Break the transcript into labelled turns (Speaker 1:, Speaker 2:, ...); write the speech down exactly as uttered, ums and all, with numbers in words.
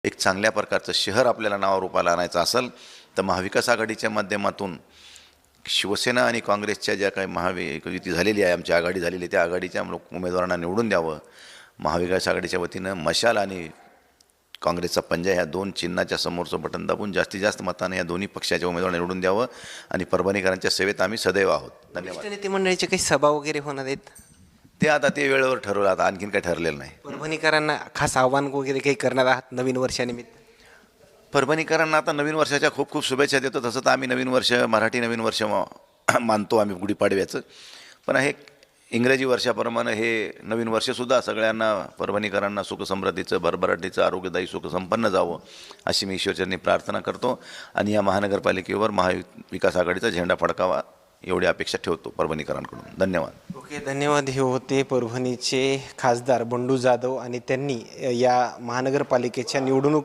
Speaker 1: एक चांगल्या प्रकारचं शहर आपल्याला नावारूपाला आणायचं असेल तर महाविकास आघाडीच्या माध्यमातून शिवसेना आणि काँग्रेसच्या ज्या काही महायुती झालेली आहे, आमची आघाडी झालेली आहे, त्या आघाडीच्या लोक उमेदवारांना निवडून द्यावं. महाविकास आघाडीच्या वतीनं मशाल आणि काँग्रेसचा पंजा ह्या दोन चिन्हाच्या समोरचं बटन दाबून जास्तीत जास्त मताने या दोन्ही पक्षाच्या उमेदवारांना निवडून द्यावं आणि परभणीकरांच्या सेवेत आम्ही सदैव आहोत. धन्यवाद.
Speaker 2: नेते मंडळीचे काही सभा वगैरे होणार आहेत?
Speaker 1: ते आता ते वेळेवर ठरवलं, आता आणखीन काही ठरलेलं नाही.
Speaker 2: परभणीकरांना खास आव्हान वगैरे काही करणार आहात नवीन वर्षानिमित्त?
Speaker 1: परभणीकरांना आता नवीन वर्षाच्या खूप खूप शुभेच्छा देतो. तसं तर आम्ही नवीन वर्ष मराठी नवीन वर्ष मा- मानतो आम्ही गुढीपाडव्याचं, पण हे इंग्रजी वर्षाप्रमाणे हे नवीन वर्षसुद्धा सगळ्यांना परभणीकरांना सुखसमृद्धीचं, भरभराटीचं, आरोग्यदायी सुखसंपन्न जावं अशी मी ईश्वरचरणी प्रार्थना करतो आणि या महानगरपालिकेवर महाविकास आघाडीचा झेंडा फडकावा एवढी अपेक्षा ठेवतो परभणीकरांकडून. धन्यवाद.
Speaker 2: ओके, धन्यवाद. हे होते परभणीचे खासदार बंडू जाधव आणि त्यांनी या महानगरपालिकेच्या निवडणूक